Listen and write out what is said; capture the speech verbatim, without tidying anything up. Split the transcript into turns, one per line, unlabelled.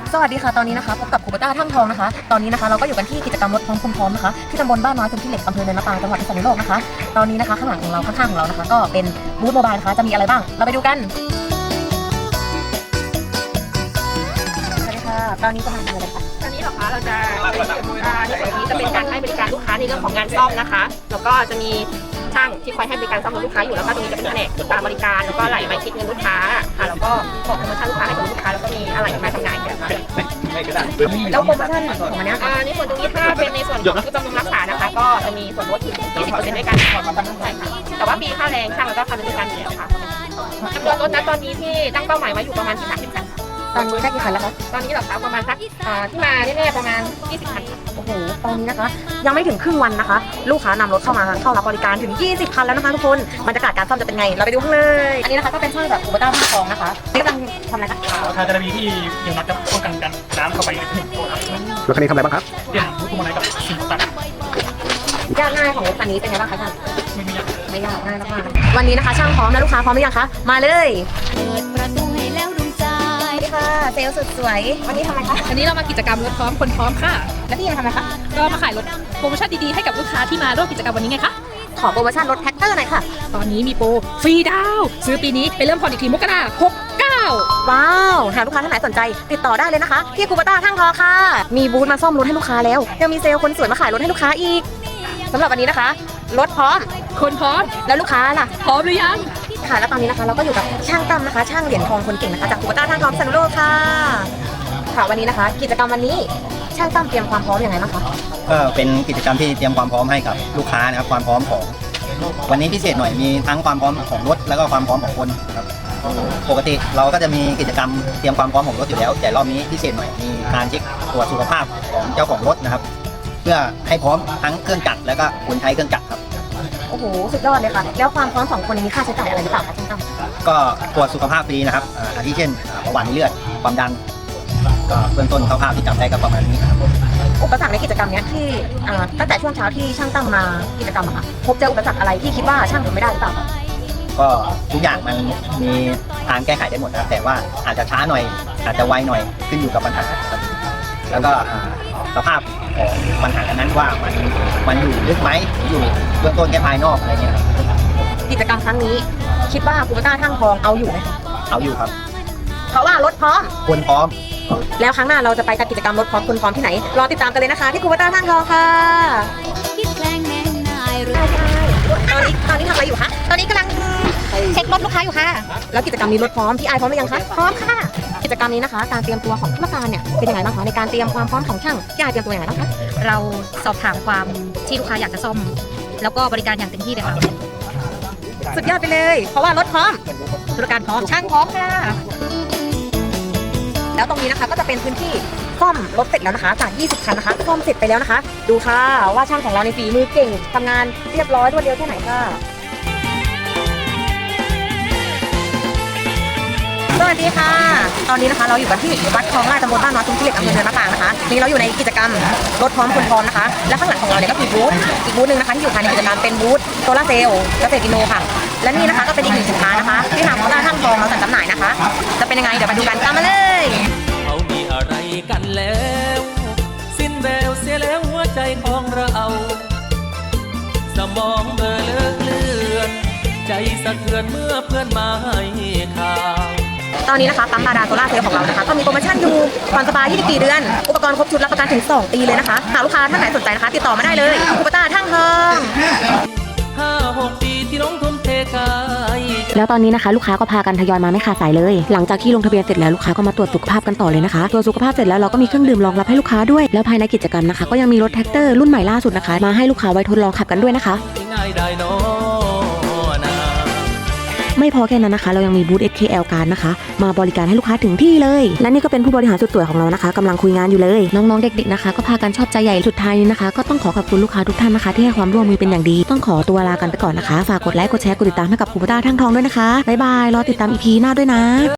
สวัสดีค่ะตอนนี้นะคะพบกับครูปต้าท่างทองนะคะตอนนี้นะคะเราก็อยู่กันที่กิจกรรมรถพร้อมคนพร้อมนะคะที่ตำบลบ้านน้อยพื้นที่เหล็กอำเภอเนินมะปรางจังหวัดพิษณุโลกนะคะตอนนี้นะคะข้างหลังของเราข้างๆของเรานะคะก็เป็นบูธโมบายนะคะจะมีอะไรบ้างเราไปดูกันสวัสดีค่ะตอนนี้จะมาทำอะไรคะ
ตอนนี้เหรอคะเราจะอ่าในส่วนนี้จะเป็นการให้บริการลูกค้าในเรื่องของงานซ่อมนะคะแล้วก็จะมีช่างที่คอยให้บริการซ่อมรถลูกค้าอยู่แล้วก็ตรงนี้จะเป็นแผนกการบริการแล้วก็ไหลใบคิดเงินลูกค้าค่ะแล้วก็บอกโปรโมชั่นลูกค้าให้กับลูกค้าแล้วก็มีอะไรมาจำหน่ายค่ะ
แล้วโปรโมชั่นของมันเนี้ย
อ่าในส่วนตรงนี้ถ้าเป็นในส่วนของผู้บำรุงรักษานะคะก็จะมีส่วนลด ยี่สิบเปอร์เซ็นต์ ด้วยกันใช่ค่ะแต่ว่าปีค่าแรงช่างแล้วก็ค่าบริการอยู่แล้วค่ะจำนวนรถนะตอนนี้ที่ตั้งเป้าหมายไว้อยู่ประมาณที่สามสิบคัน
ตอนนี้ได้กี่คันแล้วคะ
ตอนนี้เหรอคะประมาณสักอ่าที่มาแน่ๆประมาณยี่สิบคันค่ะ
โอ้โหตอนนี้นะคะยังไม่ถึงครึ่งวันนะคะ ลูกค้านำรถเข้ามาเข้ารับบริการถึงยี่สิบคันแล้วนะคะทุกคนบรรยากาศการซ่อมจะเป็นไงเราไปดูข้างเลยอันนี้นะคะก็เป็นช่างแบบครูปต้าท่างทองนะคะนี่กำลังทำอะไรคะ
ทาจะมีที่ยังนัดจะป้องกันกันน้ำเข้าไปในถนนครับ
รถคันนี้ทำอะไรบ้างครับ
เปลี่ยนรูปพวงมาลัยกับสิ่งต่าง
ยากง่ายของรถคันนี้เป็นไงบ้างคะช่าง
ๆไม่มีอย่าง
ไม่ยากง่ายมากๆวันนี้นะคะช่างพร้อมแล้วลูกค้าพร้อมหรือยังคะมาเลย
เปิดประตูให้แล้วดวงใจ
สวัสดีค่ะเซลล์สุดสวยวันนี้ทำอะไรคะ
วันนี้เรามากิจกรรมรถพร้อมคนพร้อมค่ะ
แล้วพี่มาทำอะไรคะ
ก็มาขายรถโปรโมชั่นดีๆให้กับลูกค้าที่มาร่วมกิจกรรมวันนี้ไงคะ
ขอโปรโมชั่นรถแท็กเตอร์หน่อยค่ะ
ตอนนี้มีโปรฟรีดาวน์ซื้อปีนี้ไปเริ่มผ่อนอีกทีมกราคมหกเก้า
ว้าวหากลูกค้าท่านไหนสนใจติดต่อได้เลยนะคะที่ครูปต้าท่างทองค่ะมีบูธมาซ่อมรถให้ลูกค้าแล้วยังมีเซลล์คนสวยมาขายรถให้ลูกค้าอีกสำหรับวันนี้นะคะรถพร้อม
คนพร้อม
แล้วลูกค้าล่ะ
พร้อมหรือยัง
ค่ะแล้วตอนนี้นะคะเราก็อยู่กับช่างตั้มนะคะช่างเหรียญทองคนเก่งนะคะจากครูปต้าท่างทองพิษณุโลกค่ะค่ะวันนี้นะคะ กิจกรรมวันนี้ช่างตั้มเตรียมความพร้อมยังไงบ้างคะ
ก็เป็นกิจกรรมที่เตรียมความพร้อมให้กับลูกค้านะครับความพร้อมของวันนี้พิเศษหน่อยมีทั้งความพร้อมของรถแล้วก็ความพร้อมของคนครับปกติเราก็จะมีกิจกรรมเตรียมความพร้อมของรถอยู่แล้วแต่รอบนี้พิเศษหน่อยมีการเช็คตรวจสุขภาพของเจ้าของรถนะครับ เพื่อให้พร้อมทั้งเครื่องจักรแล้วก็คนใช้เครื่องจักรครับ
โอ้โหสุดยอดเลยค่ะแล้วความพร้อมของคนนี้มีค่าใช้จ่ายอะไรหรือเปล่าคะช่างตั้ม
ก็ตรวจสุขภาพฟรีนะครับอ่าอาทิเช่นเบาหวานในเลือดความดันก็เบื้องต้นคร่าวๆที่จำได้ก็ประมาณนี้ครับ
อุปสรรคในกิจกรรมเนี้ยที่อ่าตั้งแต่ช่วงเช้าที่ช่างตั้มมากิจกรรมอะค่ะพบเจออุปสรรคอะไรที่คิดว่าช่างทำไม่ได้หรือเปล่าคะ
ก็ทุกอย่างมันมีทางแก้ไขได้หมดนะครับแต่ว่าอาจจะช้าหน่อย อาจจะไวหน่อยขึ้นอยู่กับปัญหาครับแล้วก็อ่าสภาพของปัญหานั้นว่ามันมันอยู่ลึกไหมหรืออยู่เบื้องต้นแค่ภายนอกอะไรเงี้ยครับ
กิจกรรมครั้งนี้คิดว่าครูปต้าท่างทองเอาอยู่ไหมคะ
เอาอยู่ครับ
เพราะว่ารถพร้อม
คนพร้อม
แล้วครั้งหน้าเราจะไปจัดกิจกรรมรถพร้อมคนพร้อมที่ไหนรอติดตามกันเลยนะคะที่ครูปต้าท่างทองค่ะ
คิดแกล้งแน่นายหรือ
ตอนนี้ตอนนี้ทำอะไรอยู่คะตอนนี้กำลังเช็ครถลูกค้าอยู่ค่ะแล้วกิจกรรมนี้รถพร้อมพี่ไอพร้อมหรือยังคะพร้อมค่ะกิจกรรมนี้นะคะการเตรียมตัวของผู้ประการเนี่ยเป็นยังไงบ้างคะในการเตรียมความพร้อมของช่างพี่ไอเตรียมตัวยังไงบ้างคะ
เราสอบถามความที่ลูกค้าอยากจะซ่อม แล้วก็บริการอย่างเต็มที่เลยค่ะ
สุดยอดไปเลยเพราะว่ารถพร้อมบริการพร้อมช่างพร้อมค่ะแล้วตรงนี้นะคะก็จะเป็นพื้นที่ซ่อมรถเสร็จแล้วนะคะจากยี่สิบคันนะคะซ่อมเสร็จไปแล้วนะคะ ดูค่ะว่าช่างของเราในฝีมือเก่งทำงานเรียบร้อยรวดเร็วแค่ไหนค่ะสวัสดีค่ะ ตอนนี้นะคะเราอยู่กันที่วัดคลองลาดตำบลบ้านน้อยทุ่งขี้เหล็กอำเภอเนินมะปรางนะคะนี่เราอยู่ในกิจกรรมรถพร้อมคนพร้อมนะคะและข้างหลังของเราเนี่ยก็คือบูธอีกบูธหนึ่งนะคะที่อยู่ภายในกิจกรรมเป็นบูธโซลาร์เซลล์เกษตรอินโนค่ะและนี่นะคะก็เป็นอีกหนึ่งสินค้านะคะที่ทางครูปต้าท่างทองเราจัดจำหน่ายนะคะ จะเป็นยังไงเดี๋ยวมาดูกันตามมาเลย
เขามีอะไรกันแล้ว สิ้นแววเสียแล้วหัวใจของเรา สมองเบลอเลิกเลือน ใจสะเทือนเมื่อเพื่อนมาให้ข่าว
ตอนนี้นะคะปั๊มบาดาลโซล่าร์เซลล์ของเรานะคะก็มีโปรโมชั่นอยู่ผ่อนสบายยี่สิบสี่เดือนอุปกรณ์ครบชุดรับประกันถึงสองปีเลยนะคะหากลูกค้าท่านไหนสนใจนะคะติดต่อมาได้เลยครูปต้าท่างทอง
ห้าหกปีที่น้องทุ่มเทกาย
แล้วตอนนี้นะคะลูกค้าก็พากันทยอยมาไม่ขาดสายเลย หลังจากที่ลงทะเบียนเสร็จแล้วลูกค้าก็มาตรวจสุขภาพกันต่อเลยนะคะตรวจสุขภาพเสร็จแล้วเราก็มีเครื่องดื่มรองรับให้ลูกค้าด้วยแล้วภายในกิจกรรมนะคะก็ยังมีรถแท็กเตอร์รุ่นใหม่ล่าสุดนะคะมาให้ลูกค้าไว้ทดลองขับกันด้วยนะคะ
ง่ายได้นอนา
ไม่พอแค่นั้นนะคะเรายังมีบูธ เอส เค แอล การ์ดนะคะมาบริการให้ลูกค้าถึงที่เลยและนี่ก็เป็นผู้บริหารสุดสวยของเรานะคะกำลังคุยงานอยู่เลยน้องๆเด็กๆนะคะก็พากันชอบใจใหญ่สุดท้ายนี้นะคะก็ต้องขอขอบคุณลูกค้าทุกท่านนะคะที่ให้ความร่วมมือเป็นอย่างดีต้องขอตัวลากันไปก่อนนะคะฝากกดไลค์กดแชร์กดติดตามให้กับครูปต้าท่างทองด้วยนะคะบ๊ายบายรอติดตาม อี พี หน้าด้วยนะ